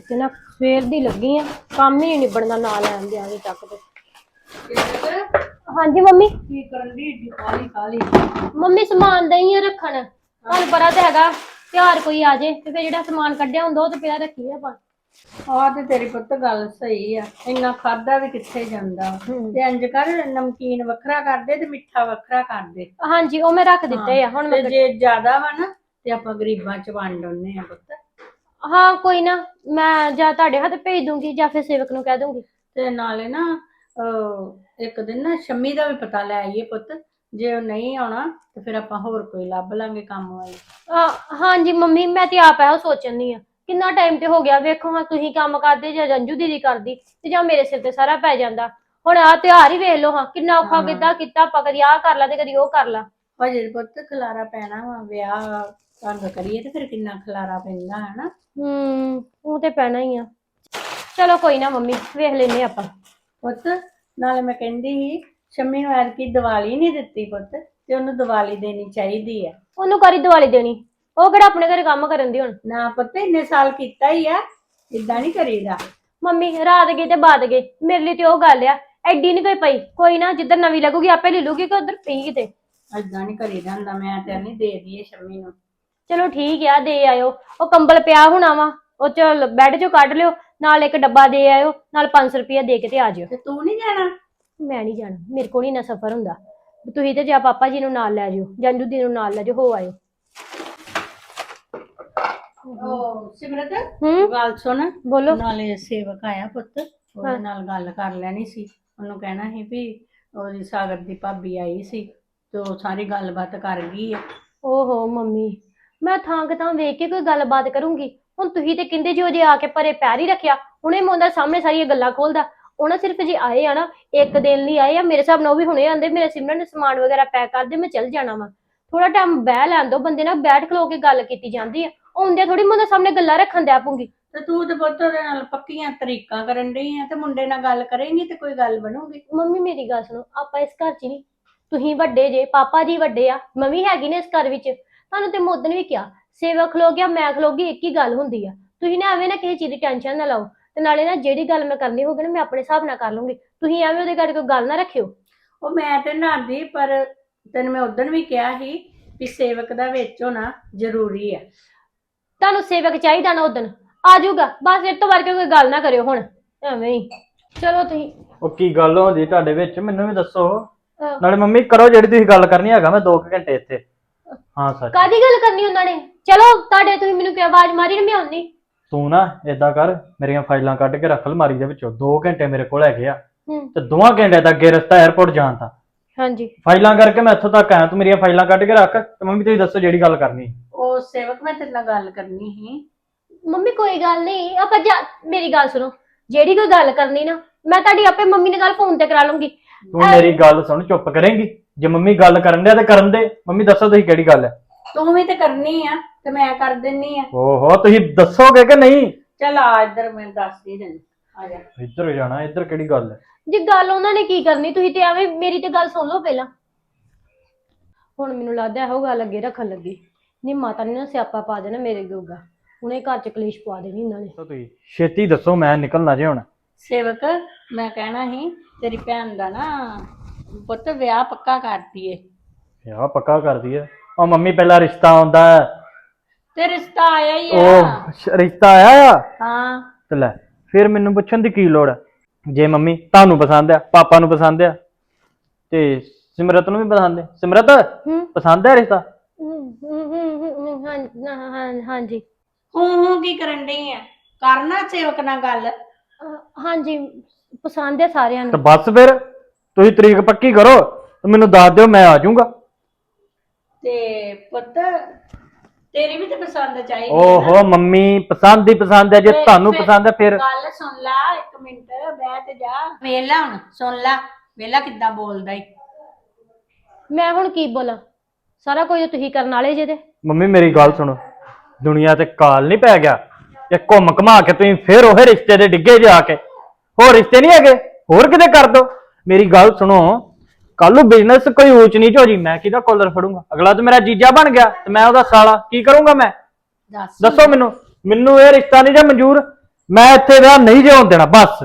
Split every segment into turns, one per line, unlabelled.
ਤੇ ਨਾ ਸਵੇਰ ਦੀ ਲੱਗੀ ਆ, ਕੰਮ ਹੀ ਨਹੀਂ ਨਿਬੜਨਾ ਨਾ ਲੈਣ ਦੇ ਆਗੇ ਤੱਕ ਤੇ। ਹਾਂਜੀ ਮੰਮੀ।
ਕੀ ਕਰਨ ਦੀ ਏਡੀ ਕਾਲੀ ਕਾਲੀ?
ਮੰਮੀ ਸਮਾਨ ਦਈ ਆ ਰੱਖਣ, ਤੁਹਾਨੂੰ ਪਤਾ ਤੇ ਹੈਗਾ ਤਿਉਹਾਰ ਕੋਈ ਆ ਜੇ ਤੇ ਫਿਰ ਜਿਹੜਾ ਸਮਾਨ ਕੱਢਿਆ ਹੁੰਦਾ ਉਹ ਤੇ ਪਿਆ ਰੱਖੀ ਆਪਾਂ।
ਆਹ ਤੇ ਤੇਰੀ ਪੁੱਤ ਗੱਲ ਸਹੀ ਆ, ਇੰਨਾ ਖਾਦਾ ਵੀ ਕਿੱਥੇ ਜਾਂਦਾ। ਤੇ ਇੰਜ ਕਰ, ਨਮਕੀਨ ਵੱਖਰਾ ਕਰ ਦੇ ਤੇ ਮਿੱਠਾ ਵੱਖਰਾ ਕਰ ਦੇ।
ਹਾਂਜੀ ਉਹ ਮੈਂ ਰੱਖ ਦਿੱਤੇ ਆ ਹੁਣ।
ਤੇ ਜੇ ਜ਼ਿਆਦਾ ਵਾ ਨਾ ਤੇ ਆਪਾਂ ਗਰੀਬਾਂ ਚ ਵੰਡ ਆਉਂਦੇ ਆ ਪੁੱਤ।
ਹਾਂ ਕੋਈ ਨਾ, ਮੈਂ ਜਾਂ ਤੁਹਾਡੇ ਹੱਥ ਭੇਜ ਦੂੰਗੀ ਜਾਂ ਫਿਰ ਸੇਵਕ ਨੂੰ ਕਹਿ ਦੂੰਗੀ।
ਤੇ ਨਾਲੇ ਨਾ ਇੱਕ ਦਿਨ ਨਾ ਸ਼ੰਮੀ ਦਾ ਵੀ ਪਤਾ ਲੈ ਆਈਏ ਪੁੱਤ। ਜੇ ਉਹ ਨਹੀਂ ਆਉਣਾ ਤੇ ਫਿਰ ਆਪਾਂ ਹੋਰ ਕੋਈ ਲੱਭ ਲਾਂਗੇ ਕੰਮ ਵਾਲੀ।
ਹਾਂਜੀ ਮੰਮੀ, ਮੈਂ ਤੇ ਆਪ ਇਹੋ ਸੋਚਣੀ ਆ, ਕਿੰਨਾ ਟਾਈਮ ਤੇ ਹੋ ਗਿਆ। ਵੇਖੋ ਹਾਂ ਤੁਸੀਂ ਕੰਮ ਕਰਦੇ ਜਾਂ ਰੰਜੂ ਦੀਦੀ ਕਰਦੀ ਤੇ ਜਾਂ ਮੇਰੇ ਸਿਰ ਤੇ ਸਾਰਾ ਪੈ ਜਾਂਦਾ। ਹੁਣ ਆਹ ਤਿਉਹਾਰ ਹੀ ਵੇਖ ਲਓ ਹਾਂ, ਕਿੰਨਾ ਔਖਾ ਕਿੱਦਾਂ ਕੀਤਾ ਆਪਾਂ, ਕਦੀ ਆਹ ਕਰ ਲਾ ਤੇ ਕਦੀ ਉਹ ਕਰ ਲਾ।
ਹਜੇ ਪੁੱਤ ਖਲਾਰਾ ਪੈਣਾ ਵਾ, ਵਿਆਹ ਤੰਗ ਕਰੀਏ ਤੇ ਫਿਰ ਕਿੰਨਾ ਖਲਾਰਾ ਪੈਂਦਾ ਹੈ ਨਾ।
ਉਹ ਤੇ ਪੈਣਾ ਹੀ ਆ। ਚਲੋ ਕੋਈ ਨਾ ਮੰਮੀ, ਵੇਖ ਲੈਨੇ ਆਪਾਂ।
ਪੁੱਤ ਨਾਲੇ ਮੈਂ ਕਹਿੰਦੀ ਸੀ ਸ਼ੰਮੀ ਨੂੰ ਐਤਕੀ ਦੀਵਾਲੀ ਨਹੀਂ ਦਿੱਤੀ ਪੁੱਤ, ਤੇ ਉਹਨੂੰ ਦੀਵਾਲੀ ਦੇਣੀ ਚਾਹੀਦੀ ਆ।
ਉਹਨੂੰ ਕਰੀ ਦੀਵਾਲੀ ਦੇਣੀ, ਉਹ ਕਿਹੜਾ ਆਪਣੇ ਘਰੇ ਕੰਮ ਕਰਨ ਦੀ ਹੁਣ।
ਨਾ ਪੁੱਤ ਇੰਨੇ ਸਾਲ ਕੀਤਾ ਹੀ ਆ, ਇਦਾਂ ਨਹੀਂ ਕਰੀਦਾ।
ਮੰਮੀ ਰਾਤ ਗਏ ਤੇ ਬਾਤ ਗਏ, ਮੇਰੇ ਲਈ ਤੇ ਉਹ ਗੱਲ ਆ, ਐਡੀ ਨਹੀਂ ਕੋਈ ਪਈ। ਕੋਈ ਨਾ, ਜਿੱਧਰ ਨਵੀਂ ਲੱਗੂਗੀ ਆਪੇ ਲੈ ਲੂਗੀ, ਕਿ ਉਧਰ ਪਈ ਕਿਤੇ।
ਏਦਾਂ ਨਹੀਂ ਕਰੀਦਾ ਹੁੰਦਾ, ਮੈਂ ਤੇ ਨਹੀਂ ਦੇ ਦਈਏ ਸ਼ੰਮੀ ਨੂੰ।
ਚਲੋ ਠੀਕ ਆ, ਦੇ ਆਇਓ। ਉਹ ਕੰਬਲ ਪਿਆ ਹੋਣਾ ਵਾ, ਉਹ ਚ ਬੈੱਡ ਚੋਂ ਕੱਢ ਲਿਓ, ਨਾਲ ਇੱਕ ਡੱਬਾ ਦੇ ਆਇਓ, ਨਾਲ 500 ਰੁਪਇਆ ਦੇ ਕੇ ਤੇ ਆ ਜਿਓ।
ਤੇ ਤੂੰ ਨਹੀਂ ਜਾਣਾ?
ਮੈਂ ਨਹੀਂ ਜਾਣਾ, ਮੇਰੇ ਕੋਲ ਨਹੀਂ ਨਾ ਸਫ਼ਰ ਹੁੰਦਾ। ਤੁਸੀਂ ਤੇ ਜਾਂ ਪਾਪਾ ਜੀ ਨੂੰ ਨਾਲ ਲੈ ਜਿਓ, ਜੰਜੂ ਦੀ ਨੂੰ ਨਾਲ ਲੈ ਜਿਓ, ਹੋ ਆਇਓ।
ਉਹ ਸਿਮਰਤ
ਹੂੰ
ਗੱਲ ਸੁਣ,
ਬੋਲੋ।
ਨਾਲੇ ਸੇਵਕ ਆਇਆ ਪੁੱਤ, ਉਹਦੇ ਨਾਲ ਗੱਲ ਕਰ ਲੈਣੀ ਸੀ। ਉਹਨੂੰ ਕਹਿਣਾ ਸੀ ਵੀ ਉਹਦੀ ਸਾਗਰ ਦੀ ਭਾਬੀ ਆਈ ਸੀ ਤੇ ਉਹ ਸਾਰੀ ਗੱਲਬਾਤ ਕਰ ਗਈ ਆ।
ਓਹੋ ਮੰਮੀ, ਮੈਂ ਥਾਂ ਕਿ ਥਾਂ ਵੇਖ ਕੇ ਕੋਈ ਗੱਲਬਾਤ ਕਰੂੰਗੀ। ਹੁਣ ਤੁਸੀਂ ਤੇ ਕਹਿੰਦੇ ਜੀ ਉਹ ਜੇ ਆ ਕੇ ਪਰੇ ਪੈਰ ਹੀ ਰੱਖਿਆ, ਹੁਣੇ ਮੁੰਡਾ ਸਾਹਮਣੇ ਸਾਰੀਆਂ ਗੱਲਾਂ ਖੋਲਦਾ। ਉਹਨਾਂ ਸਿਰਫ ਜੇ ਆਏ ਆ ਨਾ, ਇੱਕ ਦਿਨ ਲਈ ਆਏ ਆ, ਮੇਰੇ ਹਿਸਾਬ ਨਾਲ ਉਹ ਵੀ ਹੁਣੇ ਆਂਦੇ ਮੇਰੇ ਸਿਮਰਨ ਨੇ ਸਮਾਨ ਵਗੈਰਾ ਪੈਕ ਕਰ ਦੇ, ਮੈਂ ਚੱਲ ਜਾਣਾ ਵਾ। ਥੋੜਾ ਟਾਈਮ ਬਹਿ ਲੈਣ ਦੋ, ਬੰਦੇ ਨਾਲ ਬੈਠ ਖਲੋ ਕੇ ਗੱਲ ਕੀਤੀ ਜਾਂਦੀ ਆ। ਆਉਂਦੇ ਥੋੜੀ ਮੁੰਡੇ ਸਾਹਮਣੇ ਗੱਲਾਂ ਰੱਖਣ ਦਿਆ ਪਊਗੀ।
ਤੇ ਤੂੰ ਤੇ ਪੁੱਤ ਉਹਦੇ ਨਾਲ ਪੱਕੀਆਂ ਤਰੀਕਾਂ ਕਰਨ ਡਈ ਆ, ਤੇ ਮੁੰਡੇ ਨਾਲ ਗੱਲ ਕਰੇਂਗੀ ਤੇ ਕੋਈ ਗੱਲ ਬਣੂਗੀ।
ਮੰਮੀ ਮੇਰੀ ਗੱਲ ਸੁਣੋ, ਆਪਾਂ ਇਸ ਘਰ 'ਚ ਨਹੀਂ, ਤੁਸੀਂ ਵੱਡੇ ਜੇ, ਪਾਪਾ ਜੀ ਵੱਡੇ ਆ, ਮੰਮੀ ਹੈਗੀ ਨੇ ਇਸ ਘਰ ਵਿੱਚ। ਤੁਹਾਨੂੰ ਤੇ ਮੋਦਨ ਵੀ ਕਿਹਾ, ਸੇਵਕ ਖਲੋ ਗਿਆ ਮੈਂ ਖਲੋ ਗਈ, ਇੱਕ ਹੀ ਗੱਲ ਹੁੰਦੀ ਆ। ਤੁਸੀਂ ਨਾ ਐਵੇਂ ਨਾ ਕਿਸੇ ਚੀਜ਼ ਦੀ ਟੈਨਸ਼ਨ ਨਾ ਲਓ, ਤੇ ਨਾਲੇ ਨਾ ਜਿਹੜੀ ਗੱਲ ਮੈਂ ਕਰਨੀ ਹੋਊਗੀ ਨਾ ਮੈਂ ਆਪਣੇ ਹਿਸਾਬ ਨਾਲ ਕਰ ਲੂੰਗੀ। ਤੁਸੀਂ ਐਵੇਂ ਉਹਦੇ ਘਰ ਕੋਈ ਗੱਲ ਨਾ ਰੱਖਿਓ।
ਉਹ ਮੈਂ ਤੇ ਨਾਦੀ, ਪਰ ਤੈਨੂੰ ਮੈਂ ਉਦੋਂ ਵੀ ਕਿਹਾ ਸੀ ਵੀ ਸੇਵਕ ਦਾ ਵਿੱਚ ਹੋਣਾ ਜ਼ਰੂਰੀ ਆ।
ਤੁਹਾਨੂੰ ਸੇਵਕ ਚਾਹੀਦਾ ਨਾ, ਉਦਣ ਆ ਜਾਊਗਾ ਬਸ। ਇਹ ਤੋਂ ਵਰ ਕੇ ਕੋਈ ਗੱਲ ਨਾ ਕਰਿਓ ਹੁਣ ਐਵੇਂ ਹੀ। ਚਲੋ ਤੁਸੀਂ
ਉਹ ਕੀ ਗੱਲ ਹੁੰਦੀ ਤੁਹਾਡੇ ਵਿੱਚ, ਮੈਨੂੰ ਵੀ ਦੱਸੋ। ਨਾਲੇ ਮੰਮੀ ਕਰੋ ਜਿਹੜੀ ਤੁਸੀਂ ਗੱਲ ਕਰਨੀ, ਹੈਗਾ ਮੈਂ 2 ਘੰਟੇ ਇੱਥੇ। ਹਾਂ ਸੱਚ,
ਕਾਦੀ ਗੱਲ ਕਰਨੀ ਉਹਨਾਂ ਨੇ? ਚਲੋ ਤੁਹਾਡੇ, ਤੁਸੀਂ ਮੈਨੂੰ ਕਿਹਾ ਆਵਾਜ਼ ਮਾਰੀ ਨਾ, ਮੈਂ ਆਉਣੀ।
ਤੂੰ ਨਾ ਏਦਾਂ ਕਰ, ਮੇਰੀਆਂ ਫਾਈਲਾਂ ਕੱਢ ਕੇ ਰੱਖ ਅਲਮਾਰੀ ਦੇ ਵਿੱਚੋਂ। 2 ਘੰਟੇ ਮੇਰੇ ਕੋਲ ਹੈਗੇ ਆ, ਤੇ 2 ਘੰਟੇ ਦਾ ਅੱਗੇ ਰਸਤਾ 에어ਪੋਰਟ ਜਾਣ ਦਾ।
ਹਾਂਜੀ
ਫਾਈਲਾਂ ਕਰਕੇ ਮੈਂ ਇੱਥੋਂ ਤੱਕ ਆਇਆ, ਤੂੰ ਮੇਰੀਆਂ ਫਾਈਲਾਂ ਕੱਢ ਕੇ ਰੱਖ, ਤੇ ਮੰਮੀ ਤੁਸੀਂ ਦੱਸੋ ਜਿਹੜੀ ਗੱਲ ਕਰਨੀ।
ਉਹ ਸੇਵਕ ਮੈਂ ਤੇਰੇ ਨਾਲ ਗੱਲ ਕਰਨੀ ਸੀ।
ਮੰਮੀ ਕੋਈ ਗੱਲ ਨਹੀਂ, ਆਪਾਂ ਮੇਰੀ ਗੱਲ ਸੁਣੋ, ਜਿਹੜੀ ਕੋਈ ਗੱਲ ਕਰਨੀ ਨਾ ਮੈਂ ਤੁਹਾਡੀ ਆਪੇ ਮੰਮੀ ਨਾਲ ਗੱਲ ਫੋਨ ਤੇ ਕਰਾ ਲੂੰਗੀ।
ਤੂੰ ਮੇਰੀ ਗੱਲ ਸੁਣ, ਚੁੱਪ ਕਰੇਂਗੀ? ਜੇ ਮੰਮੀ ਗੱਲ ਕਰਨ ਦੇ ਤੇ ਕਰਨ ਦੇ। ਮੰਮੀ ਦੱਸੋ ਤੁਸੀਂ ਕਿਹੜੀ ਗੱਲ ਹੈ।
ਤੂੰ ਵੀ ਤੇ ਕਰਨੀ ਆ ਤੇ ਮੈਂ ਕਰ ਦਿੰਨੀ ਆ।
ਓਹੋ ਤੁਸੀਂ ਦੱਸੋਗੇ ਕਿ ਨਹੀਂ?
ਚੱਲ ਆ ਇੱਧਰ, ਮੈਂ ਦੱਸ ਹੀ ਦਿੰਦੀ, ਆ ਜਾ।
ਇੱਧਰ ਜਾਣਾ, ਇੱਧਰ ਕਿਹੜੀ ਗੱਲ ਹੈ?
ਜੇ ਗੱਲ ਉਹਨਾਂ ਨੇ ਕੀ ਕਰਨੀ, ਤੁਸੀਂ ਤੇ ਐਵੇਂ ਮੇਰੀ ਤੇ ਗੱਲ ਸੁਣ ਲਓ ਪਹਿਲਾਂ। ਹੁਣ ਮੈਨੂੰ ਲੱਗਦਾ ਇਹੋ ਗੱਲ ਅੱਗੇ ਰੱਖਣ ਲੱਗੀ, ਨਹੀਂ ਮਾਤਾ ਨੇ ਨਾ ਸਿਆਪਾ ਪਾ ਦੇਣਾ ਮੇਰੇ ਜੋਗਾ, ਹੁਣੇ ਘਰ ਚ ਕਲੇਸ਼ ਪਵਾ ਦੇਣੀ ਇਹਨਾਂ ਨੇ।
ਤੁਸੀਂ ਛੇਤੀ ਦੱਸੋ, ਮੈਂ ਨਿਕਲਣਾ ਜੇ ਹੁਣ।
ਸੇਵਕ ਮੈਂ ਕਹਿਣਾ ਸੀ, ਤੇਰੀ ਭੈਣ ਦਾ ਨਾ ਪੁੱਤ ਵਿਆਹ ਪੱਕਾ ਕਰਤੀ ਏ।
ਵਿਆਹ ਪੱਕਾ ਕਰਦੀ ਹੈ? ਉਹ ਮੰਮੀ ਪਹਿਲਾਂ ਰਿਸ਼ਤਾ ਆਉਂਦਾ ਹੈ।
ਤੇ ਰਿਸ਼ਤਾ ਆਇਆ ਹੀ ਆ।
ਉਹ ਰਿਸ਼ਤਾ ਆਇਆ ਆ?
ਹਾਂ।
ਤੇ ਲੈ ਫਿਰ ਮੈਨੂੰ ਪੁੱਛਣ ਦੀ ਕੀ ਲੋੜ ਹੈ? ਜੇ ਮੰਮੀ ਤੁਹਾਨੂੰ ਪਸੰਦ ਆ, ਪਾਪਾ ਨੂੰ ਪਸੰਦ ਆ, ਤੇ ਸਿਮਰਤ ਨੂੰ ਵੀ ਪਸੰਦ ਹੈ। ਸਿਮਰਤ ਪਸੰਦ ਹੈ ਰਿਸ਼ਤਾ?
ਹਾਂਜੀ।
ਹੂੰ ਕੀ ਕਰਨ ਡਈ ਆ? ਕਰਨਾ ਸੇਵਕ ਨਾਲ ਗੱਲ।
ਹਾਂਜੀ ਪਸੰਦ ਹੈ ਸਾਰਿਆਂ
ਤੇ
ਨੂੰ।
ਬਸ ਫਿਰ ਤੁਸੀਂ ਤਰੀਕ ਪੱਕੀ ਕਰੋ ਤੇ ਮੈਨੂੰ ਦੱਸ ਦਿਓ, ਮੈਂ ਆ ਜਾਊਂਗਾ।
ਤੇ ਪੁੱਤ ਤੇਰੀ ਵੀ ਤੇ ਪਸੰਦ ਚਾਹੀਦੀ ਹੈ
ਓਹੋ ਮੰਮੀ, ਪਸੰਦ ਹੀ ਪਸੰਦ ਹੈ। ਜੇ ਤੁਹਾਨੂੰ ਪਸੰਦ ਹੈ ਫਿਰ
ਗੱਲ ਸੁਣ ਲੈ, 1 ਮਿੰਟ ਬਹਿ ਤੇ ਜਾ। ਵੇਲਾ ਹੁਣ ਸੁਣ ਲੈ, ਵੇਲਾ ਕਿੱਦਾਂ ਬੋਲਦਾ ਈ।
ਮੈਂ ਹੁਣ ਕੀ ਬੋਲਾਂ, ਸਾਰਾ ਕੁਝ ਤੁਸੀਂ ਕਰਨ ਵਾਲੇ ਜੇ। ਤੇ
ਮੰਮੀ ਮੇਰੀ ਗੱਲ ਸੁਣੋ, ਦੁਨੀਆ ਤੇ ਕਾਲ ਨਹੀਂ ਪੈ ਗਿਆ ਇਹ ਘੁੰਮ ਘਮਾ ਕੇ ਤੁਸੀਂ ਫਿਰ ਉਹ ਰਿਸ਼ਤੇ ਦੇ ਡਿੱਗੇ ਜਾ ਕੇ। ਹੋਰ ਰਿਸ਼ਤੇ ਨਹੀਂ ਹੈਗੇ, ਹੋਰ ਕਿਤੇ ਕਰ ਦੋ। ਮੇਰੀ ਗੱਲ ਸੁਣੋ, ਕੱਲ ਨੂੰ ਬਿਜ਼ਨਸ ਕੋਈ ਊਚ ਨੀਚ ਹੋ ਜੀ, ਮੈਂ ਕਿਹਦਾ ਕੋਲਰ ਫੜੂੰਗਾ? ਅਗਲਾ ਤਾਂ ਮੇਰਾ ਜੀਜਾ ਬਣ ਗਿਆ ਤੇ ਮੈਂ ਉਹਦਾ ਸਾਲਾ, ਕੀ ਕਰੂੰਗਾ ਮੈਂ? ਦੱਸੋ ਮੈਨੂੰ। ਮੈਨੂੰ ਇਹ ਰਿਸ਼ਤਾ ਨਹੀਂ ਜਾਂ ਮਨਜ਼ੂਰ। ਮੈਂ ਇੱਥੇ ਵਿਆਹ ਨਹੀਂ ਜੇ ਹੋਣ ਦੇਣਾ ਬਸ।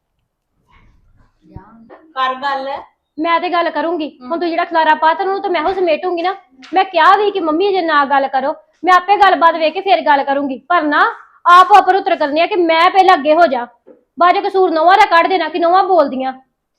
ਕਰ ਗੱਲ।
ਮੈਂ ਤੇ ਗੱਲ ਕਰੂੰਗੀ। ਹੁਣ ਤੂੰ ਜਿਹੜਾ ਖਲਾਰਾ ਪਾ ਤੈਨੂੰ ਤਾਂ ਮੈਂ ਹੋ ਸਮੇਟੂੰਗੀ ਨਾ। ਮੈਂ ਕਿਹਾ ਵੀ ਕਿ ਮੰਮੀ ਜੇ ਨਾ ਗੱਲ ਕਰੋ, ਮੈਂ ਆਪੇ ਗੱਲਬਾਤ ਵੇਖ ਕੇ ਫੇਰ ਗੱਲ ਕਰੂੰਗੀ, ਪਰ ਨਾ ਆਪ ਉੱਪਰ ਉਤਰ ਕਰਨੀ ਆ ਕਿ ਮੈਂ ਪਹਿਲਾਂ ਅੱਗੇ ਹੋ ਜਾ, ਬਾਅਦ ਚ ਕਸੂਰ ਨੋਹਾਂ ਦਾ ਕੱਢ ਦੇਣਾ ਕਿ ਨੋਹਾਂ ਬੋਲਦੀਆਂ।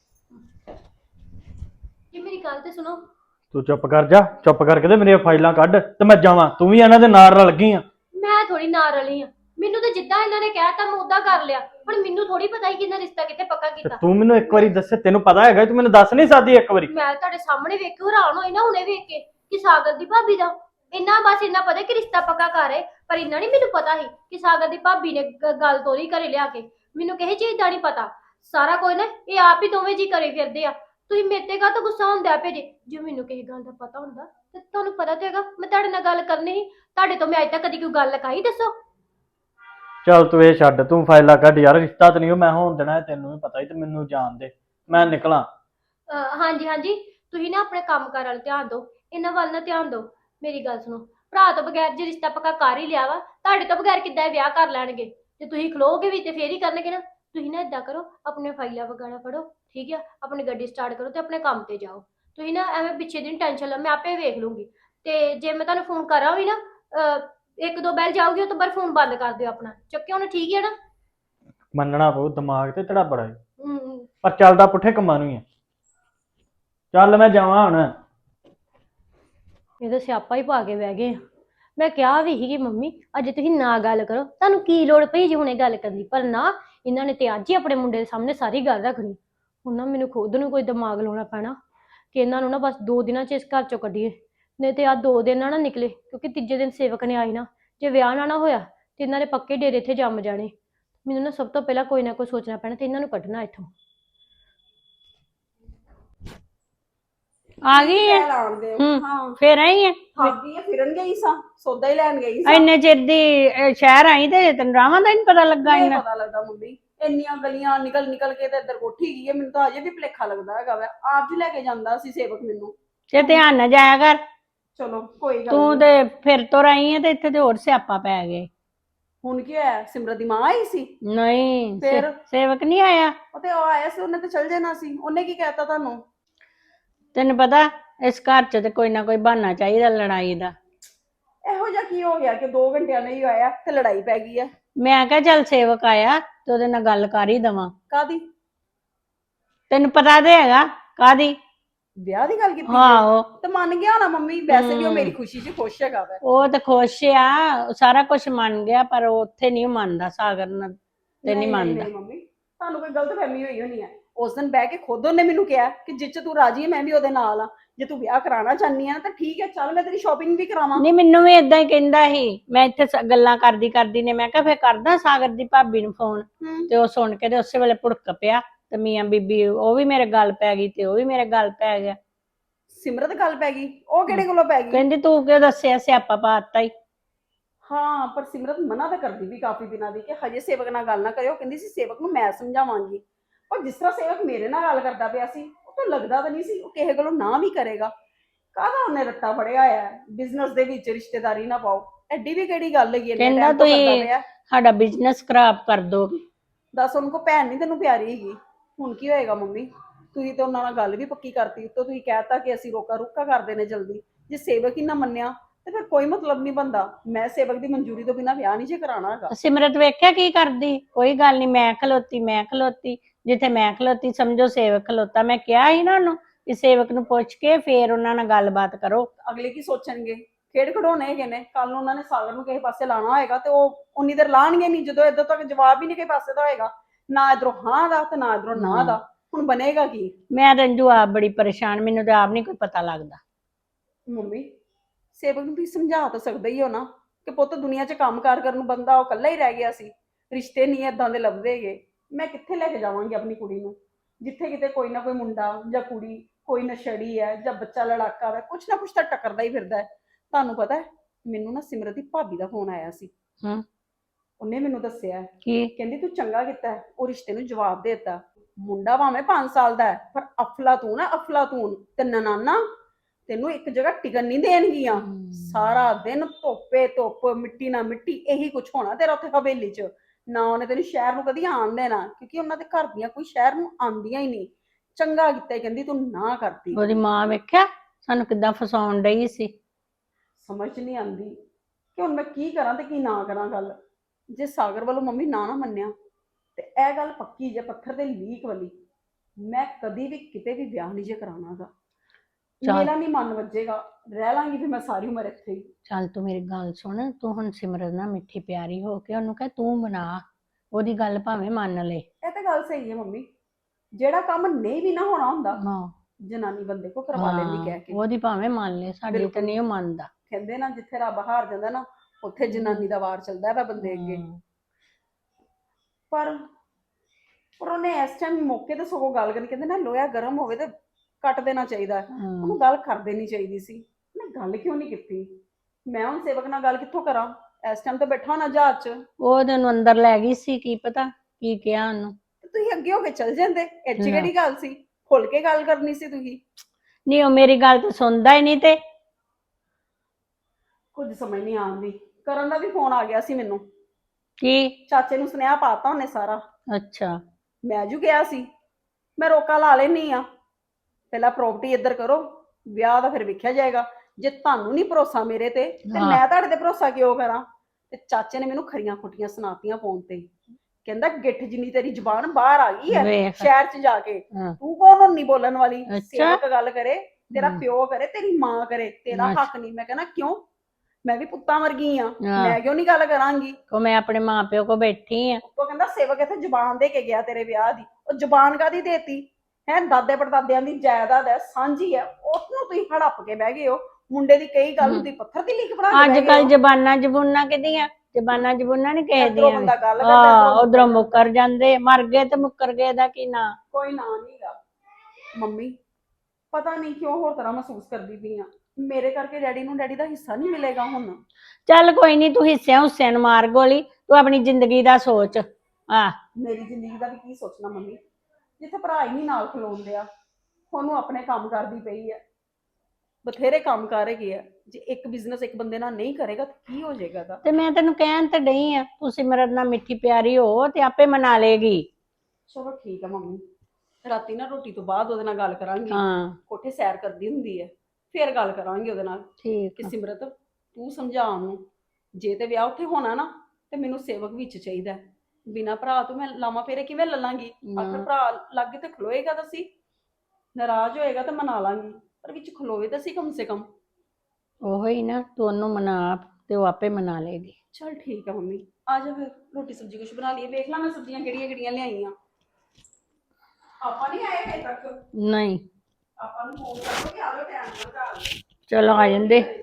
ਜੀ ਮੇਰੀ ਗੱਲ ਤੇ ਸੁਣੋ।
ਤੂੰ ਚੁੱਪ ਕਰ ਜਾ, ਚੁੱਪ ਕਰਕੇ ਤੇ ਮੇਰੀਆਂ ਫਾਈਲਾਂ ਕੱਢ ਤੇ ਮੈਂ ਜਾਵਾਂ। ਤੂੰ ਵੀ ਇਹਨਾਂ ਦੇ ਨਾਲ ਰਲ ਗਈ ਆ।
ਮੈਂ ਥੋੜੀ ਨਾਲ ਰਲੀ ਆ, ਮੈਨੂੰ ਤਾਂ ਜਿੱਦਾਂ ਇਹਨਾਂ ਨੇ ਕਹਿਤਾ ਮੈਂ ਉਦਾਂ ਕਰ ਲਿਆ। ਹੁਣ ਮੈਨੂੰ ਥੋੜੀ ਪਤਾ ਹੀ ਕਿ ਇਹਨਾਂ ਰਿਸ਼ਤਾ ਕਿੱਥੇ ਪੱਕਾ
ਤੇ
ਕੀਤਾ।
ਤੂੰ ਮੈਨੂੰ ਇੱਕ ਵਾਰੀ ਦੱਸੇ, ਤੈਨੂੰ ਪਤਾ ਹੈਗਾ, ਤੂੰ ਮੈਨੂੰ ਦੱਸ ਨਹੀਂ ਸਕਦੀ ਇੱਕ ਵਾਰੀ?
ਮੈਂ ਤੁਹਾਡੇ ਸਾਹਮਣੇ ਵੇਖ ਕੇ ਹੈਰਾਨ ਹੋਈ ਨਾ ਹੁਣੇ ਵੇਖ ਕੇ ਕਿ ਸਾਗਰ ਦੀ ਭਾਬੀ ਦਾ ਬਸ ਇੰਨਾ ਪਤਾ ਕਿ ਰਿਸ਼ਤਾ ਪੱਕਾ ਕਰ ਰਹੇ, ਪਰ ਇੰਨਾ ਨਹੀਂ ਮੈਨੂੰ ਪਤਾ ਸੀ ਕਿ ਸਾਗਰ ਦੀ ਭਾਬੀ ਨੇ ਗੱਲ ਤੋਰੀ ਘਰੇ ਲਿਆ ਕੇ। ਮੈਨੂੰ ਕਿਸੇ ਚੀਜ਼ ਦਾ ਨਹੀਂ ਪਤਾ। ਸਾਰਾ ਕੋਈ ਨਾ ਇਹ ਆਪ ਹੀ ਦੋਵੇਂ ਜੀ ਕਰੇ ਫਿਰਦੇ ਆ। ਤੁਸੀਂ ਮੇਰੇ ਤੇ ਕਾਹਤੋਂ ਗੁੱਸਾ ਹੁੰਦਾ ਪਿਆ ਜੇ ਮੈਨੂੰ ਕਿਸੇ ਗੱਲ ਦਾ ਪਤਾ ਹੁੰਦਾ ਤੇ ਤੁਹਾਨੂੰ ਪਤਾ ਤੇ ਹੈਗਾ ਮੈਂ ਤੁਹਾਡੇ ਨਾਲ ਗੱਲ ਕਰਨੀ ਸੀ। ਤੁਹਾਡੇ ਤੋਂ ਮੈਂ ਅੱਜ ਤੱਕ ਕਦੀ ਕੋਈ ਗੱਲ ਲਕਾਈ ਦੱਸੋ?
ਚੱਲ ਤੂੰ ਇਹ ਛੱਡ, ਤੂੰ ਫਾਈਲਾਂ ਕੱਢ ਯਾਰ। ਰਿਸ਼ਤਾ ਤਾਂ ਨਹੀਂ ਮੈਂ ਹੋਣ ਦੇਣਾ, ਤੈਨੂੰ ਵੀ ਪਤਾ ਹੀ, ਤੇ ਮੈਨੂੰ ਜਾਣ ਦੇ, ਮੈਂ ਨਿਕਲਾਂ।
ਹਾਂਜੀ ਹਾਂਜੀ, ਤੁਸੀਂ ਨਾ ਆਪਣੇ ਕੰਮ ਕਾਰ ਵੱਲ ਧਿਆਨ ਦਿਓ, ਇਹਨਾਂ ਵੱਲ ਨਾ ਧਿਆਨ ਦਿਓ। ਮੇਰੀ ਗੱਲ ਸੁਣੋ, ਭਰਾ ਤੋਂ ਬਗੈਰ ਜੇ ਰਿਸ਼ਤਾ ਪੱਕਾ ਕਰ ਹੀ ਲਿਆ ਵਾ, ਤੁਹਾਡੇ ਤੋਂ ਬਗੈਰ ਕਿੱਦਾਂ ਇਹ ਵਿਆਹ ਕਰ ਲੈਣਗੇ? ਤੇ ਤੁਸੀਂ ਖਲੋਗੇ ਵੀ ਤੇ ਫੇਰ ਹੀ ਕਰਨਗੇ ਨਾ। ਤੁਸੀਂ ਨਾ ਏਦਾਂ ਕਰੋ, ਆਪਣੇ ਫਾਈਲਾਂ ਵਗੈਰਾ ਫੜੋ, ਠੀਕ ਆ, ਆਪਣੀ ਗੱਡੀ ਸਟਾਰਟ ਕਰੋ ਤੇ ਆਪਣੇ ਕੰਮ ਤੇ ਜਾਓ। ਤੁਸੀਂ ਨਾ ਐਵੇਂ ਪਿੱਛੇ ਦੀ ਟੈਨਸ਼ਨ ਲਓ, ਮੈਂ ਆਪੇ ਵੇਖ ਲੂੰਗੀ। ਤੇ ਜੇ ਮੈਂ ਤੁਹਾਨੂੰ ਫੋਨ ਕਰਾਂ ਵੀ ਨਾ, ਇੱਕ ਦੋ ਬੈਲ ਜਾਊਗੀ, ਉਹ ਤੋਂ ਬਾਅਦ ਫੋਨ ਬੰਦ ਕਰ ਦਿਓ ਆਪਣਾ, ਚੱਕਿਓ ਨਾ, ਠੀਕ ਹੈ ਨਾ?
ਮੰਨਣਾ ਪਊ, ਦਿਮਾਗ ਤੇ ਤੇਰਾ ਬੜਾ ਹੈ,
ਹੂੰ।
ਪਰ ਚੱਲਦਾ ਪੁੱਠੇ ਕੰਮਾਂ ਨੂੰ ਹੀ ਆ। ਚੱਲ ਮੈਂ ਜਾਵਾਂ ਹੁਣ।
ਇਹ ਤਾਂ ਸਿਆਪਾ ਹੀ ਪਾ ਕੇ ਬਹਿ ਗਏ ਆ। ਮੈਂ ਕਿਹਾ ਵੀ ਸੀਗੀ ਮੰਮੀ ਅੱਜ ਤੁਸੀਂ ਨਾ ਗੱਲ ਕਰੋ, ਤੁਹਾਨੂੰ ਕੀ ਲੋੜ ਪਈ ਜੀ ਹੁਣੇ ਗੱਲ ਕਰਨ ਦੀ, ਪਰ ਨਾ ਇਹਨਾਂ ਨੇ ਤੇ ਅੱਜ ਹੀ ਆਪਣੇ ਮੁੰਡੇ ਦੇ ਸਾਹਮਣੇ ਸਾਰੀ ਗੱਲ ਰੱਖਣੀ। ਹੁਣ ਨਾ ਮੈਨੂੰ ਖੁਦ ਨੂੰ ਕੋਈ ਦਿਮਾਗ ਲਾਉਣਾ ਪੈਣਾ ਕਿ ਇਹਨਾਂ ਨੂੰ ਨਾ ਬਸ 2 ਦਿਨਾਂ 'ਚ ਇਸ ਘਰ ਚੋਂ ਕੱਢੀਏ, ਨਹੀਂ ਤੇ ਆ 2 ਦਿਨ ਨਾ ਨਿਕਲੇ, ਕਿਉਂਕਿ ਤੀਜੇ ਦਿਨ ਸੇਵਕ ਨੇ ਆਈ ਨਾ, ਜੇ ਵਿਆਹ ਨਾ ਹੋਇਆ ਤੇ ਇਹਨਾਂ ਦੇ ਪੱਕੇ ਡੇਰੇ ਇੱਥੇ ਜੰਮ ਜਾਣੇ। ਮੈਨੂੰ ਨਾ ਸਭ ਤੋਂ ਪਹਿਲਾਂ ਕੋਈ ਨਾ ਕੋਈ ਸੋਚਣਾ ਪੈਣਾ ਤੇ ਇਹਨਾਂ ਨੂੰ ਕੱਢਣਾ ਇੱਥੋਂ।
ਆ ਗਈ ਹੈ।
ਲਾਉਂਦੇ
ਹਾਂ ਫੇਰ ਆਈ ਹੈ।
ਥੱਕ ਆ, ਫਿਰਨ ਗਈ ਸਾਂ, ਸੌਦਾ ਹੀ ਲੈਣ ਗਈ ਸਾਂ।
ਇੰਨੇ ਚਿਰ ਦੀ ਸ਼ਹਿਰ ਆਈ ਤੇ ਤੈਨੂੰ ਰਾਵਾਂ ਦਾ ਹੀ ਨੀ ਪਤਾ ਲੱਗਾ
ਨਹੀਂ
ਇੰਨਾ।
ਪਤਾ ਲੱਗਦਾ ਮੰਮੀ, ਇੰਨੀਆਂ ਗਲੀਆਂ ਨਿਕਲ ਨਿਕਲ ਕੇ ਤੇ ਇੱਧਰ ਕੋਠੀ ਗਈ ਹੈ। ਮੈਨੂੰ ਤਾਂ ਅਜੇ ਵੀ ਭੁਲੇਖਾ ਲੱਗਦਾ ਹੈਗਾ ਵਾ, ਆਪ ਜੀ ਲੈ ਕੇ ਜਾਂਦਾ ਸੀ ਸੇਵਕ ਮੈਨੂੰ।
ਤੇ ਧਿਆਨ ਨਾ ਜਾਇਆ ਕਰ।
ਚਲੋ ਕੋਈ ਗੱਲ
ਤੂੰ
ਨਹੀਂ।
ਤੇ ਫਿਰ ਤੁਰ ਆਈ ਹੈ ਤੇ ਇੱਥੇ ਤੇ ਹੋਰ ਸਿਆਪਾ ਪੈ ਗਏ।
ਹੁਣ ਕੀ ਹੋਇਆ? ਸਿਮਰਤ ਦੀ ਮਾਂ ਆਈ ਸੀ?
ਨਹੀਂ
ਫਿਰ?
ਸੇਵਕ ਨਹੀਂ ਆਇਆ।
ਉਹ ਤੇ ਉਹ ਆਇਆ ਸੀ, ਉਹਨੇ ਤੇ ਚਲ ਜਾਣਾ ਸੀ। ਉਹਨੇ ਕੀ ਕਹਿਤਾ ਤੁਹਾਨੂੰ?
ਤੈਨੂੰ ਪਤਾ ਇਸ ਘਰ 'ਚ ਤੇ ਕੋਈ ਨਾ ਕੋਈ ਬਹਾਨਾ ਚਾਹੀਦਾ ਲੜਾਈ ਦਾ।
ਇਹੋ ਜਿਹਾ ਕੀ ਹੋ ਗਿਆ ਕਿ 2 ਘੰਟਿਆਂ ਲਈ ਆਇਆ ਤੇ ਲੜਾਈ ਪੈ ਗਈ ਹੈ?
ਮੈਂ ਕਿਹਾ ਚੱਲ ਸੇਵਕ ਆਇਆ ਤੇ ਉਹਦੇ ਨਾਲ ਗੱਲ ਕਰ ਹੀ ਦਵਾਂ।
ਕਾਦੀ?
ਤੈਨੂੰ ਪਤਾ ਤੇ ਹੈਗਾ ਕਾਦੀ।
ਵਿਆਹ ਦੀ ਗੱਲ ਕੀਤੀ?
ਆਹੋ
ਤੇ ਮੰਨ ਗਿਆ ਨਾ ਮੰਮੀ, ਵੈਸੇ ਵੀ ਉਹ ਮੇਰੀ ਖੁਸ਼ੀ 'ਚ ਖੁਸ਼ ਹੈਗਾ ਵਾ।
ਉਹ ਤੇ ਖੁਸ਼ ਆ, ਉਹ ਸਾਰਾ ਕੁਝ ਮੰਨ ਗਿਆ, ਪਰ ਉਹ ਉੱਥੇ ਨਹੀਂ ਮੰਨਦਾ ਸਾਗਰ ਨਾਲ ਤੇ ਨਹੀਂ ਮੰਨਦਾ।
ਨਹੀਂ ਮੰਮੀ, ਤੁਹਾਨੂੰ ਕੋਈ ਗਲਤਫਹਿਮੀ ਹੋਈ ਹੋਣੀ ਹੈ। ਉਸ ਦਿਨ ਬਹਿ ਕੇ ਖੁਦ ਉਹਨੇ ਮੈਨੂੰ ਕਿਹਾ ਕਿ ਜਿੱਚ ਤੂੰ ਰਾਜੀ ਹੈ ਮੈਂ ਵੀ ਉਹਦੇ ਨਾਲ ਆ। ਜੇ ਤੂੰ ਵਿਆਹ ਕਰਾਉਣਾ ਚਾਹਨੀ ਆ ਤਾਂ ਠੀਕ ਹੈ, ਚੱਲ ਮੈਂ ਤੇਰੀ ਸ਼ਾਪਿੰਗ ਵੀ ਕਰਾਵਾਂ।
ਨਹੀਂ ਮੈਨੂੰ ਵੀ ਇਦਾਂ ਹੀ ਕਹਿੰਦਾ ਸੀ। ਮੈਂ ਇੱਥੇ ਗੱਲਾਂ ਕਰਦੀ ਕਰਦੀ ਨੇ ਮੈਂ ਕਿਹਾ ਫੇਰ ਕਰਦਾ ਸਾਗਰ ਦੀ ਭਾਬੀ ਨੂੰ ਫੋਨ, ਤੇ ਉਹ ਸੁਣ ਕੇ ਤੇ ਉਸੇ ਵੇਲੇ ਭੁੜਕ ਪਿਆ ਤੇ ਮੀਆਂ ਬੀਬੀ ਉਹ ਵੀ ਮੇਰੇ ਗੱਲ ਪੈ ਗਈ ਤੇ ਉਹ ਵੀ ਮੇਰੇ ਗੱਲ ਪੈ ਗਿਆ।
ਸਿਮਰਤ ਗੱਲ ਪੈ ਗਈ? ਉਹ ਕਿਹੜੇ ਕੋਲੋਂ ਪੈ ਗਈ?
ਕਹਿੰਦੀ ਤੂੰ ਕਿਉਂ ਦੱਸਿਆ, ਸਿਆਪਾ ਪਾਤਾ ਹੀ।
ਹਾਂ, ਪਰ ਸਿਮਰਤ ਮਨਾ ਤਾਂ ਕਰਦੀ ਵੀ ਕਾਫੀ ਦਿਨਾਂ ਦੀ ਕਿ ਹਜੇ ਸੇਵਕ ਨਾਲ ਗੱਲ ਨਾ ਕਰਿਓ। ਕਹਿੰਦੀ ਸੀ ਸੇਵਕ ਨੂੰ ਮੈਂ ਸਮਝਾਵਾਂਗੀ। ਪਰ ਜਿਸ ਤਰ੍ਹਾਂ ਸੇਵਕ ਮੇਰੇ ਨਾਲ ਗੱਲ ਕਰਦਾ ਪਿਆ ਸੀ, ਉਹ ਤਾਂ ਲੱਗਦਾ ਤਾਂ ਨਹੀਂ ਸੀ ਉਹ ਕਿਸੇ ਕੋਲੋਂ ਨਾ ਵੀ ਕਰੇਗਾ। ਕਾਹਦਾ ਉਹਨੇ ਰੱਟਾ ਫੜਿਆ ਹੋਇਆ ਬਿਜ਼ਨਸ ਦੇ ਵਿੱਚ ਰਿਸ਼ਤੇਦਾਰੀ ਨਾ ਪਾਓ, ਐਡੀ ਵੀ ਕਿਹੜੀ ਗੱਲ ਹੈਗੀ?
ਕਹਿੰਦਾ ਤੁਸੀਂ ਸਾਡਾ ਬਿਜ਼ਨਸ ਖਰਾਬ ਕਰ ਦੋਗੇ।
ਦੱਸ, ਉਹਨੂੰ ਕੋ ਭੈਣ ਨਹੀਂ ਤੈਨੂੰ ਪਿਆਰੀ ਹੈਗੀ? ਹੁਣ ਕੀ ਹੋਏਗਾ ਮੰਮੀ? ਤੁਸੀਂ ਤੇ ਉਹਨਾਂ ਨਾਲ ਗੱਲ ਵੀ ਪੱਕੀ ਕਰਤੀ, ਉੱਤੋਂ ਤੁਸੀਂ ਕਹਿਤਾ ਕਿ ਅਸੀਂ ਰੋਕਾ ਰੁਕਾ ਕਰਦੇ ਨੇ ਜਲਦੀ। ਜੇ ਸੇਵਕ ਹੀ ਨਾ ਮੰਨਿਆ ਤੇ ਫਿਰ ਕੋਈ ਮਤਲਬ ਨਹੀਂ ਬਣਦਾ। ਮੈਂ ਸੇਵਕ ਦੀ ਮਨਜ਼ੂਰੀ ਤੋਂ ਬਿਨਾਂ ਵਿਆਹ ਨਹੀਂ ਜੇ ਕਰਾਉਣਾ ਹੈਗਾ।
ਸਿਮਰਤ ਵੇਖਿਆ ਕੀ ਕਰਦੀ? ਕੋਈ ਗੱਲ ਨਹੀਂ, ਮੈਂ ਖਲੋਤੀ ਜਿੱਥੇ ਮੈਂ ਖਲੋਤੀ ਸਮਝੋ ਸੇਵਕ ਖਲੋਤਾ। ਮੈਂ ਕਿਹਾ ਸੀ ਨਾ ਉਹਨੂੰ ਕਿ ਸੇਵਕ ਨੂੰ ਪੁੱਛ ਕੇ ਫੇਰ ਉਹਨਾਂ ਨਾਲ ਗੱਲਬਾਤ ਕਰੋ।
ਅਗਲੇ ਕੀ ਸੋਚਣਗੇ? ਖੇਡ ਖੜੋਣੇ ਹੈਗੇ ਨੇ। ਕੱਲ ਨੂੰ ਉਹਨਾਂ ਨੇ ਸਾਗਰ ਨੂੰ ਕਿਸੇ ਪਾਸੇ ਲਾਣਾ ਹੋਏਗਾ ਤੇ ਉਹ ਉਨੀ ਦੇਰ ਲਾਣਗੇ ਨਹੀਂ ਜਦੋਂ ਇੱਧਰ ਤੱਕ ਜਵਾਬ ਹੀ ਨਹੀਂ ਕਿਸੇ ਪਾਸੇ ਦਾ ਹੋਏਗਾ, ਨਾ ਇਧਰੋਂ ਹਾਂ ਦਾ ਤੇ ਨਾ ਇਧਰੋਂ ਨਾ ਦਾ। ਹੁਣ ਬਣੇਗਾ ਕੀ?
ਮੈਂ ਰੰਜੂ ਆਪ ਬੜੀ ਪਰੇਸ਼ਾਨ, ਮੈਨੂੰ ਤਾਂ ਆਪ ਨਹੀਂ ਕੋਈ ਪਤਾ ਲੱਗਦਾ।
ਮੰਮੀ, ਸੇਵਕ ਨੂੰ ਤੁਸੀਂ ਸਮਝਾ ਤਾਂ ਸਕਦੇ ਹੀ ਹੋ ਨਾ ਕਿ ਪੁੱਤ ਦੁਨੀਆ 'ਚ ਕੰਮਕਾਰ ਕਰਨ ਨੂੰ ਬੰਦਾ ਉਹ ਇਕੱਲਾ ਹੀ ਰਹਿ ਗਿਆ ਸੀ। ਰਿਸ਼ਤੇ ਨਹੀਂ ਏਦਾਂ ਦੇ ਲੱਭਦੇਗੇ। ਮੈਂ ਕਿੱਥੇ ਲੈ ਕੇ ਜਾਵਾਂਗੀ ਆਪਣੀ ਕੁੜੀ ਨੂੰ? ਜਿੱਥੇ ਕਿਤੇ ਕੋਈ ਨਾ ਕੋਈ ਮੁੰਡਾ ਜਾਂ ਕੁੜੀ, ਕੋਈ ਨਸ਼ੜੀ ਹੈ ਜਾਂ ਬੱਚਾ ਲੜਾਕਾ ਹੈ, ਕੁਛ ਨਾ ਕੁਛ ਤਾਂ ਟੱਕਰਦਾ ਹੀ ਫਿਰਦਾ ਹੈ। ਤੁਹਾਨੂੰ ਪਤਾ ਹੈ, ਮੈਨੂੰ ਨਾ ਸਿਮਰਤ ਦੀ ਭਾਬੀ ਦਾ ਫੋਨ ਆਇਆ ਸੀ। ਉਹਨੇ ਮੈਨੂੰ ਦੱਸਿਆ
ਕੀ
ਕਹਿੰਦੀ ਤੂੰ ਚੰਗਾ ਕੀਤਾ ਉਹ ਰਿਸ਼ਤੇ ਨੂੰ ਜਵਾਬ ਦੇ ਦਿੱਤਾ। ਮੁੰਡਾ ਭਾਵੇਂ 5 ਸਾਲ ਦਾ ਹੈ, ਪਰ ਅਫਲਾਤੂਨ ਹੈ ਅਫਲਾਤੂਨ। ਤੇ ਨਨਾਨਾ ਤੈਨੂੰ ਇੱਕ ਜਗ੍ਹਾ ਟਿਕਣ ਨਹੀਂ ਦੇਣਗੀਆਂ। ਸਾਰਾ ਦਿਨ ਧੁੱਪੇ ਧੁੱਪ, ਮਿੱਟੀ ਨਾ ਮਿੱਟੀ, ਇਹੀ ਕੁਛ ਹੋਣਾ ਤੇਰਾ ਉੱਥੇ ਹਵੇਲੀ 'ਚ। ਨਾ ਉਹਨੇ ਤੈਨੂੰ ਸ਼ਹਿਰ ਨੂੰ ਕਦੀ ਆਣ ਦੇਣਾ, ਕਿਉਂਕਿ ਉਹਨਾਂ ਦੇ ਘਰ ਦੀਆਂ ਕੋਈ ਸ਼ਹਿਰ ਨੂੰ ਆਂਦੀਆਂ ਹੀ ਨਹੀਂ। ਚੰਗਾ ਕੀਤਾ ਈ ਕਹਿੰਦੀ ਤੂੰ ਨਾ ਕਰਤੀ।
ਉਹਦੀ ਮਾਂ ਵੇਖਿਆ ਸਾਨੂੰ ਕਿੱਦਾਂ ਫਸਾਉਣ ਡਈ ਸੀ।
ਸਮਝ ਨਹੀਂ ਆਂਦੀ ਕਿ ਹੁਣ ਮੈਂ ਕੀ ਕਰਾਂ ਤੇ ਕੀ ਨਾ ਕਰਾਂ ਗੱਲ। ਜੇ ਸਾਗਰ ਵੱਲੋਂ ਮੰਮੀ ਨਾ ਮੰਨਿਆ ਤੇ ਇਹ ਗੱਲ ਪੱਕੀ ਜੇ ਪੱਥਰ ਦੇ ਲੀਕ ਵਾਲੀ, ਮੈਂ ਕਦੀ ਵੀ ਕਿਤੇ ਵੀ ਵਿਆਹ ਨਹੀਂ ਜੇ ਕਰਾਉਣਾਗਾ।
ਚੱਲ।
ਮੇਰਾ ਨਹੀਂ ਮਨ ਵੱਜੇਗਾ, ਰਹਿ ਲਾਂਗੀ ਫਿਰ ਮੈਂ ਸਾਰੀ ਉਮਰ ਇੱਥੇ ਹੀ।
ਚੱਲ ਤੂੰ ਮੇਰੀ ਗੱਲ ਸੁਣ, ਤੂੰ ਹੁਣ ਸਿਮਰਨ ਨਾਲ ਮਿੱਠੀ ਪਿਆਰੀ ਹੋ ਕੇ ਉਹਨੂੰ ਕਹਿ ਤੂੰ ਮਨਾ, ਉਹਦੀ ਗੱਲ ਭਾਵੇਂ ਮੰਨ ਲੈ।
ਇਹ ਤਾਂ ਗੱਲ ਸਹੀ ਹੈ ਮੰਮੀ, ਜਿਹੜਾ ਕੰਮ ਨਹੀਂ ਵੀ ਨਾ ਹੋਣਾ ਹੁੰਦਾ
ਹਾਂ
ਜਨਾਨੀ ਬੰਦੇ ਕੋ ਕਰਵਾ ਲੈਂਦੀ ਕਹਿ ਕੇ।
ਉਹਦੀ ਭਾਵੇਂ ਮੰਨ ਲੈ, ਸਾਡੀ ਤਾਂ
ਬਿਲਕੁਲ।
ਨਹੀਂ ਉਹ ਮੰਨਦਾ।
ਕਹਿੰਦੇ ਨਾ ਜਿੱਥੇ ਰੱਬ ਹਾਰ ਜਾਂਦਾ ਨਾ ਉੱਥੇ ਜਨਾਨੀ ਦਾ ਵਾਰ ਚੱਲਦਾ ਵਾ ਬੰਦੇ ਅੱਗੇ। ਪਰ ਉਹਨੇ ਇਸ ਟਾਈਮ ਮੌਕੇ ਤੇ ਸਗੋਂ ਗੱਲ ਕਰੀ, ਕਹਿੰਦੇ ਨਾ ਲੋਹਾ ਗਰਮ ਹੋਵੇ ਤੇ ਕੱਟ ਦੇਣਾ ਚਾਹੀਦਾ, ਉਹਨੂੰ ਗੱਲ ਕਰ ਦੇਣੀ ਚਾਹੀਦੀ ਸੀ। ਮੈਂ ਗੱਲ ਕਿਉਂ ਨਹੀਂ ਕੀਤੀ? ਮੈਂ ਹੁਣ ਸੇਵਕ ਨਾਲ ਗੱਲ ਕਿੱਥੋਂ ਕਰਾਂ? ਇਸ ਟਾਈਮ ਤਾਂ ਬੈਠਾ ਹੋਣਾ ਜਹਾਜ਼ 'ਚ।
ਉਹ ਤੈਨੂੰ ਅੰਦਰ ਲੈ ਗਈ ਸੀ, ਕੀ ਪਤਾ ਕੀ ਕਿਹਾ ਉਹਨੂੰ।
ਤੇ ਤੁਸੀਂ ਅੱਗੇ ਹੋ ਕੇ ਚੱਲ ਜਾਂਦੇ, ਇਹ 'ਚ
ਲੈ।
ਕਿਹੜੀ ਗੱਲ ਸੀ? ਖੁੱਲ ਕੇ ਗੱਲ ਕਰਨੀ ਸੀ ਤੁਸੀਂ।
ਨਹੀਂ ਉਹ ਮੇਰੀ ਗੱਲ ਤਾਂ ਸੁਣਦਾ ਹੀ ਨਹੀਂ ਤੇ।
ਕੁਝ ਸਮਝ ਨਹੀਂ ਆਉਂਦੀ। ਕਰਨ ਦਾ ਵੀ ਫੋਨ ਆ ਗਿਆ ਸੀ ਮੈਨੂੰ,
ਕੀ?
ਚਾਚੇ ਨੂੰ ਸੁਨੇਹਾ ਪਾਤਾ ਉਹਨੇ ਸਾਰਾ।
ਅੱਛਾ।
ਮੈਂ ਜੂ ਗਿਆ ਸੀ, ਮੈਂ ਰੋਕਾ ਲਾ ਲੈਣੀ ਆ, ਪਹਿਲਾਂ ਪ੍ਰਾਪਰਟੀ ਇੱਧਰ ਕਰੋ, ਵਿਆਹ ਦਾ ਫਿਰ ਵੇਖਿਆ ਜਾਏਗਾ। ਜੇ ਤੁਹਾਨੂੰ ਨਹੀਂ ਭਰੋਸਾ ਮੇਰੇ ਤੇ
ਹਾਂ।
ਮੈਂ ਤੁਹਾਡੇ ਤੇ ਭਰੋਸਾ ਕਿਉਂ ਕਰਾਂ? ਤੇ ਚਾਚੇ ਨੇ ਮੈਨੂੰ ਖਰੀਆਂ ਖੁੱਟੀਆਂ ਸੁਣਾਤੀਆਂ ਫੋਨ ਤੇ। ਕਹਿੰਦਾ ਗਿੱਠ ਜਿੰਨੀ ਤੇਰੀ ਜ਼ੁਬਾਨ ਬਾਹਰ ਆ ਗਈ ਹੈ
ਵੇਖ।
ਸ਼ਹਿਰ 'ਚ ਜਾ ਕੇ,
ਹਾਂ।
ਤੂੰ ਕੌਣ ਹੁੰਨੀ ਬੋਲਣ ਵਾਲੀ?
ਅੱਛਾ।
ਸੇਵਕ ਗੱਲ ਕਰੇ, ਤੇਰਾ
ਹਮ।
ਪਿਓ ਕਰੇ, ਤੇਰੀ ਮਾਂ ਕਰੇ, ਤੇਰਾ
ਅੱਛਾ।
ਹੱਕ ਨਹੀਂ। ਮੈਂ ਕਹਿੰਦਾ ਕਿਉਂ? ਮੈਂ ਵੀ ਪੁੱਤਾਂ ਵਰਗੀ ਆ,
ਹਾਂ।
ਮੈਂ ਕਿਉਂ ਨਹੀਂ ਗੱਲ ਕਰਾਂਗੀ?
ਕੋ ਮੈਂ ਆਪਣੇ ਮਾਪਿਓ ਕੋ ਬੈਠੀ ਆ।
ਉਹ ਕਹਿੰਦਾ ਸੇਵਕ ਇੱਥੇ ਜ਼ੁਬਾਨ ਦੇ ਕੇ ਗਿਆ ਤੇਰੇ ਵਿਆਹ ਦੀ। ਉਹ ਜ਼ੁਬਾਨ ਕਾਦੀ ਦੇਤੀ ਹੈ? ਦਾਦੇ ਪੜਦਾਦਿਆਂ ਦੀ ਜਾਇਦਾਦ ਹੈ, ਸਾਂਝੀ ਹੈ, ਉਹਨੂੰ ਤੁਸੀਂ ਹੜੱਪ ਕੇ ਬਹਿ ਗਏ ਹੋ। ਮੁੰਡੇ ਦੀ ਕਈ ਗੱਲ ਹੁੰਦੀ ਪੱਥਰ ਦੀ ਲੀਕ ਬਣਾ ਕੇ
ਅੱਜ
ਬਹਿ
ਕੱਲ
ਗਏ
ਜ਼ਬਾਨਾਂ ਜਬੂਨਾਂ ਕਿਦੀਆਂ? ਜ਼ਬਾਨਾਂ ਜਬੂਨਾਂ ਨਹੀਂ ਕਿਸੇ
ਇੱਧਰੋਂ
ਦੀਆਂ।
ਬੰਦਾ ਗੱਲ ਕਰਦਾ,
ਹਾਂ,
ਇੱਧਰੋਂ
ਉਧਰੋਂ
ਮੁੱਕਰ
ਮੁੱਕਰ ਜਾਂਦੇ, ਮਰ ਗਏ ਤੇ ਮੁੱਕਰ ਗਏ ਦਾ ਕੀ ਨਾਂ।
ਕੋਈ ਨਾਂ ਨਹੀਂਗਾ। ਮੰਮੀ ਪਤਾ ਨਹੀਂ ਕਿਉਂ ਹੋਰ ਤਰ੍ਹਾਂ ਮਹਿਸੂਸ ਕਰਦੀ ਪਈ ਆ। ਮੇਰੇ ਕਰਕੇ ਡੈਡੀ ਨੂੰ ਡੈਡੀ ਦਾ ਹਿੱਸਾ ਨਹੀਂ ਮਿਲੇਗਾ ਹੁਣ।
ਚੱਲ ਕੋਈ ਨਹੀਂ, ਤੂੰ ਹਿੱਸਿਆਂ ਹੁੱਸਿਆਂ ਨੂੰ ਮਾਰ ਗੋਲੀ, ਤੂੰ ਆਪਣੀ ਜ਼ਿੰਦਗੀ ਦਾ ਸੋਚ। ਆ
ਮੇਰੀ ਜ਼ਿੰਦਗੀ ਦਾ ਵੀ ਕੀ ਸੋਚਣਾ ਮੰਮੀ, ਜਿੱਥੇ ਭਰਾ ਹੀ ਨਹੀਂ ਨਾਲ ਖਲੋਣ ਦਿਆ। ਉਹਨੂੰ ਆਪਣੇ ਕੰਮ ਕਰਦੀ ਪਈ ਹੈ, ਬਥੇਰੇ ਕੰਮ ਕਰ ਹੈਗੇ ਆ। ਜੇ ਇੱਕ ਬਿਜ਼ਨਸ ਇੱਕ ਬੰਦੇ ਨਾਲ ਨਹੀਂ ਕਰੇਗਾ ਤਾਂ ਕੀ ਹੋ ਜਾਏਗਾ ਦਾ?
ਤੇ ਮੈਂ ਤੈਨੂੰ ਕਹਿਣ ਤੇ ਡਈ ਆ, ਤੂੰ ਸਿਮਰਨ ਨਾਲ ਮਿੱਠੀ ਪਿਆਰੀ ਹੋ ਤੇ ਆਪੇ ਮਨਾ ਲੇਗੀ।
ਚਲੋ ਠੀਕ ਆ ਮੰਮੀ, ਰਾਤੀ ਨਾ ਰੋਟੀ ਤੋਂ ਬਾਅਦ ਉਹਦੇ ਨਾਲ ਗੱਲ ਕਰਾਂਗੀ।
ਹਾਂ
ਕੋਠੇ ਸੈਰ ਕਰਦੀ ਹੁੰਦੀ ਹੈ, ਫੇਰ ਗੱਲ ਕਰਾਂਗੇ ਉਹਦੇ ਨਾਲ
ਠੀਕ
ਕਿ
ਆ।
ਸਿਮਰਤ ਤੂੰ ਸਮਝਾ ਉਹਨੂੰ, ਜੇ ਤੇ ਵਿਆਹ ਉੱਥੇ ਹੋਣਾ ਨਾ ਤੇ ਮੈਨੂੰ ਸੇਵਕ ਵਿੱਚ ਚਾਹੀਦਾ। ਬਿਨਾ ਭਰਾ ਤੋਂ ਮੈਂ ਲਾਵਾਂ ਫੇਰੇ ਕਿਵੇਂ ਲੱਲਾਂਗੀ? ਆਖਰ ਭਰਾ ਲਾਗੇ ਤੇ ਖਲੋਏਗਾ ਤਾਂ ਸੀ, ਨਾਰਾਜ਼ ਹੋਏਗਾ ਤਾਂ ਮਨਾ ਲਾਂਗੀ, ਪਰ ਵਿੱਚ ਖਲੋਵੇ ਤਾਂ ਸੀ ਕਮ ਸੇ ਕਮ।
ਉਹੋ ਹੀ ਨਾ, ਤੂੰ ਉਹਨੂੰ ਮਨਾ ਤੇ ਉਹ ਆਪੇ ਮਨਾ ਲੇਗੀ।
ਚਲ ਠੀਕ ਆ ਮੰਮੀ, ਆ ਜਾ ਫਿਰ ਰੋਟੀ ਸਬਜ਼ੀ ਕੁਛ ਬਣਾ ਲਈਏ। ਵੇਖ ਲਾਂ ਮੈਂ ਸਬਜ਼ੀਆਂ ਕਿਹੜੀਆਂ ਕਿਹੜੀਆਂ ਲਿਆਈਆਂ। ਆਪਾਂ ਨਹੀਂ ਆਏ ਹਜੇ ਤੱਕ।
ਨਹੀਂ,
ਆਪਾਂ ਨੂੰ ਫੋਨ ਕਰੋ ਕਿ ਆ ਲੋ ਟਾਈਮ ਨਾਲ ਘਰ।
ਚਲੋ ਆ ਜਾਂਦੇ।